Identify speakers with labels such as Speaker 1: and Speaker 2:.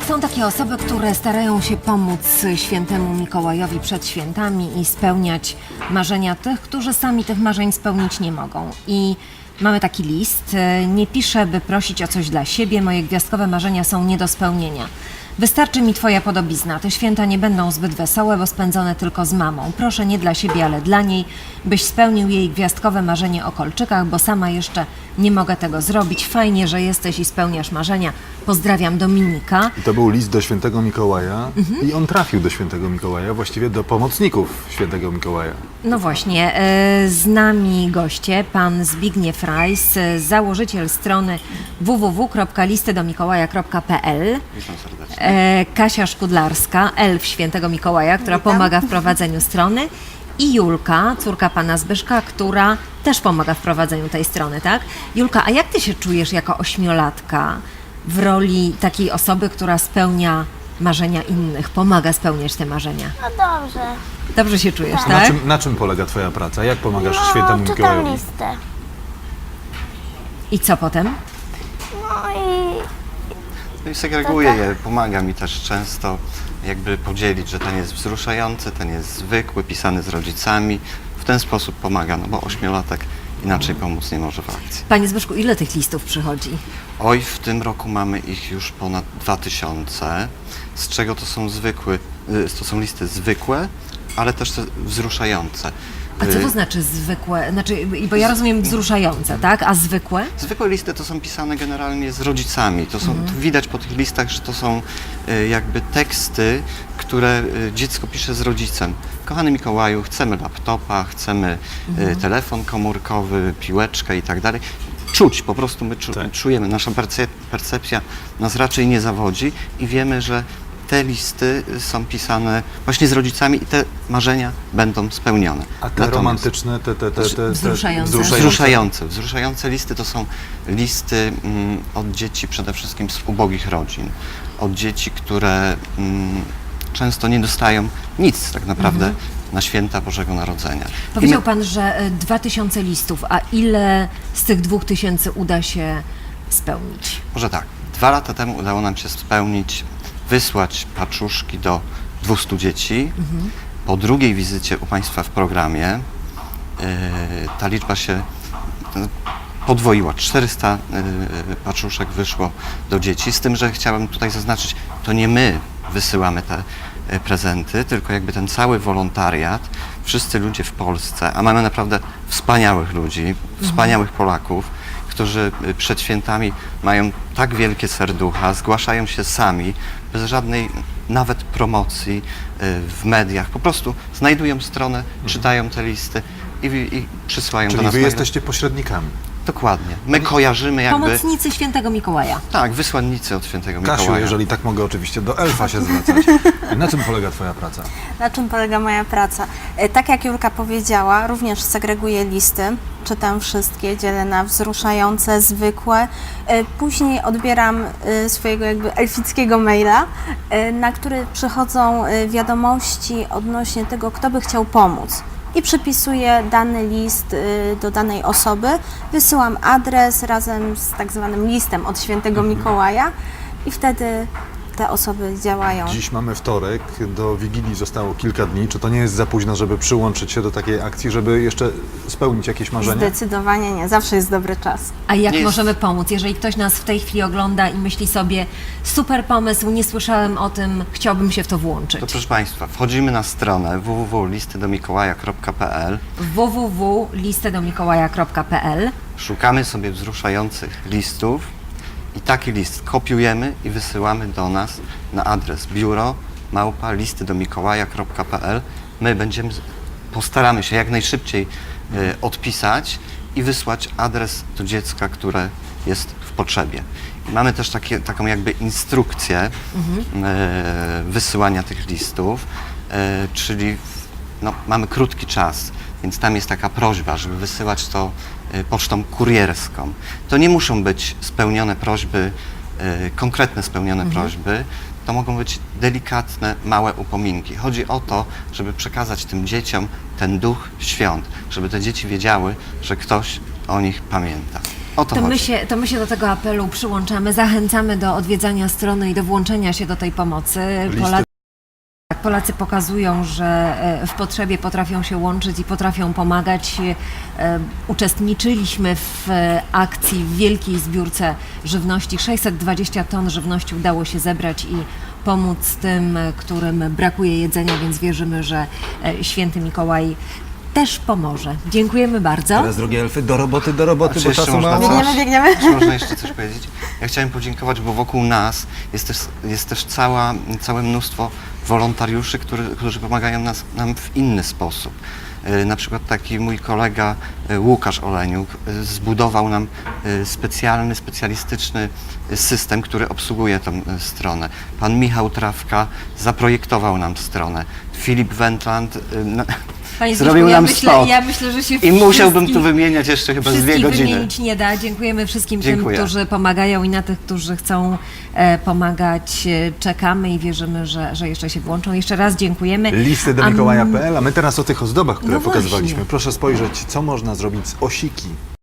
Speaker 1: Są takie osoby, które starają się pomóc świętemu Mikołajowi przed świętami i spełniać marzenia tych, którzy sami tych marzeń spełnić nie mogą. I mamy taki list. Nie piszę, by prosić o coś dla siebie. Moje gwiazdkowe marzenia są nie do spełnienia. Wystarczy mi twoja podobizna. Te święta nie będą zbyt wesołe, bo spędzone tylko z mamą. Proszę nie dla siebie, ale dla niej, byś spełnił jej gwiazdkowe marzenie o kolczykach, bo sama jeszcze nie mogę tego zrobić. Fajnie, że jesteś i spełniasz marzenia. Pozdrawiam, Dominika.
Speaker 2: I to był list do świętego Mikołaja i on trafił do świętego Mikołaja, właściwie do pomocników świętego Mikołaja.
Speaker 1: No właśnie, z nami goście, pan Zbigniew Rajs, założyciel strony www.listydomikołaja.pl.
Speaker 3: Witam serdecznie.
Speaker 1: Kasia Szkudlarska, elf świętego Mikołaja, która pomaga w prowadzeniu strony, i Julka, córka pana Zbyszka, która też pomaga w prowadzeniu tej strony, tak? Julka, a jak ty się czujesz jako ośmiolatka w roli takiej osoby, która spełnia marzenia innych, pomaga spełniać te marzenia?
Speaker 4: No dobrze.
Speaker 1: Dobrze się czujesz,
Speaker 4: Tak.
Speaker 1: tak?
Speaker 2: Na czym polega twoja praca? Jak pomagasz świętemu
Speaker 4: czytam
Speaker 2: Mikołajowi?
Speaker 4: listę.
Speaker 1: I co potem?
Speaker 4: No
Speaker 3: No i segreguję je, pomaga mi też często jakby podzielić, że ten jest wzruszający, ten jest zwykły, pisany z rodzicami. W ten sposób pomaga, no bo ośmiolatek inaczej pomóc nie może w akcji.
Speaker 1: Panie Zbyszku, ile tych listów przychodzi?
Speaker 3: Oj, w tym roku mamy ich już ponad 2000, z czego to są listy zwykłe, ale też te wzruszające.
Speaker 1: A co to znaczy zwykłe? Znaczy, bo ja rozumiem wzruszające, tak? A zwykłe?
Speaker 3: Zwykłe listy to są pisane generalnie z rodzicami. To widać po tych listach, że to są jakby teksty, które dziecko pisze z rodzicem. Kochany Mikołaju, chcemy laptopa, chcemy telefon komórkowy, piłeczkę i tak dalej. Czuć, po prostu my czujemy, nasza percepcja nas raczej nie zawodzi i wiemy, że te listy są pisane właśnie z rodzicami i te marzenia będą spełnione.
Speaker 2: A te romantyczne, te
Speaker 1: Wzruszające.
Speaker 3: Wzruszające listy to są listy od dzieci przede wszystkim z ubogich rodzin. Od dzieci, które często nie dostają nic tak naprawdę na święta Bożego Narodzenia.
Speaker 1: Powiedział pan, że 2000 listów, a ile z tych 2000 uda się spełnić?
Speaker 3: Może tak, 2 lata temu udało nam się wysłać paczuszki do 200 dzieci. Po drugiej wizycie u Państwa w programie ta liczba się podwoiła. 400 paczuszek wyszło do dzieci, z tym, że chciałem tutaj zaznaczyć, to nie my wysyłamy te prezenty, tylko jakby ten cały wolontariat, wszyscy ludzie w Polsce, a mamy naprawdę wspaniałych ludzi, wspaniałych Polaków, którzy przed świętami mają tak wielkie serducha, zgłaszają się sami, bez żadnej nawet promocji w mediach. Po prostu znajdują stronę, czytają te listy i przysyłają do
Speaker 2: Czyli
Speaker 3: nas.
Speaker 2: wy jesteście pośrednikami.
Speaker 3: Dokładnie. My kojarzymy jakby...
Speaker 1: Pomocnicy świętego Mikołaja.
Speaker 3: Tak, wysłannicy od świętego Mikołaja.
Speaker 2: Kasiu, jeżeli tak mogę oczywiście do elfa się zwracać. Na czym polega twoja praca?
Speaker 4: Na czym polega moja praca? Tak jak Julka powiedziała, również segreguję listy, czytam wszystkie, dzielę na wzruszające, zwykłe. Później odbieram swojego jakby elfickiego maila, na który przychodzą wiadomości odnośnie tego, kto by chciał pomóc. I przypisuję dany list do danej osoby, wysyłam adres razem z tak zwanym listem od świętego Mikołaja i wtedy te osoby działają.
Speaker 2: Dziś mamy wtorek, do Wigilii zostało kilka dni. Czy to nie jest za późno, żeby przyłączyć się do takiej akcji, żeby jeszcze spełnić jakieś marzenia?
Speaker 4: Zdecydowanie nie, zawsze jest dobry czas.
Speaker 1: A jak
Speaker 3: Nie jest-
Speaker 1: możemy pomóc? Jeżeli ktoś nas w tej chwili ogląda i myśli sobie, super pomysł, nie słyszałem o tym, chciałbym się w to włączyć.
Speaker 3: To proszę Państwa, wchodzimy na stronę www.listydomikołaja.pl,
Speaker 1: www.listydomikołaja.pl.
Speaker 3: szukamy sobie wzruszających listów i taki list kopiujemy i wysyłamy do nas na adres biuro@listydomikołaja.pl. My postaramy się jak najszybciej odpisać i wysłać adres do dziecka, które jest w potrzebie. I mamy też taką jakby instrukcję wysyłania tych listów, czyli mamy krótki czas, więc tam jest taka prośba, żeby wysyłać to pocztą kurierską. To nie muszą być spełnione prośby, konkretne spełnione prośby, to mogą być delikatne, małe upominki. Chodzi o to, żeby przekazać tym dzieciom ten duch świąt, żeby te dzieci wiedziały, że ktoś o nich pamięta. O to chodzi.
Speaker 1: To my się do tego apelu przyłączamy, zachęcamy do odwiedzania strony i do włączenia się do tej pomocy.
Speaker 2: Listy.
Speaker 1: Polacy pokazują, że w potrzebie potrafią się łączyć i potrafią pomagać. Uczestniczyliśmy w akcji w wielkiej zbiórce żywności. 620 ton żywności udało się zebrać i pomóc tym, którym brakuje jedzenia, więc wierzymy, że święty Mikołaj też pomoże. Dziękujemy bardzo.
Speaker 5: Teraz, drogie elfy, do roboty,
Speaker 3: Czy
Speaker 5: bo
Speaker 3: jeszcze
Speaker 5: czasu
Speaker 3: można
Speaker 5: mało.
Speaker 3: coś?
Speaker 4: Biegniemy.
Speaker 3: Czy można jeszcze coś powiedzieć? Ja chciałem podziękować, bo wokół nas jest też całe mnóstwo wolontariuszy, którzy pomagają nam w inny sposób. Na przykład taki mój kolega Łukasz Oleniuk zbudował nam specjalistyczny system, który obsługuje tę stronę. Pan Michał Trawka zaprojektował nam stronę. Filip Wendland
Speaker 1: Panie
Speaker 3: zrobił
Speaker 1: Zbyszku,
Speaker 3: nam spot.
Speaker 1: Ja myślę, że się
Speaker 3: I musiałbym tu
Speaker 1: wszystkich-
Speaker 3: wymieniać jeszcze chyba z 2
Speaker 1: Wszystkich
Speaker 3: godziny.
Speaker 1: wymienić nie da. Dziękujemy wszystkim
Speaker 3: Dziękuję.
Speaker 1: tym, którzy pomagają i na tych, którzy chcą pomagać. Czekamy i wierzymy, że jeszcze się włączą. Jeszcze raz dziękujemy.
Speaker 2: Listy do Mikołaja.pl, a my teraz o tych ozdobach, które
Speaker 1: No
Speaker 2: pokazywaliśmy.
Speaker 1: właśnie.
Speaker 2: Proszę spojrzeć, co można zrobić z osiki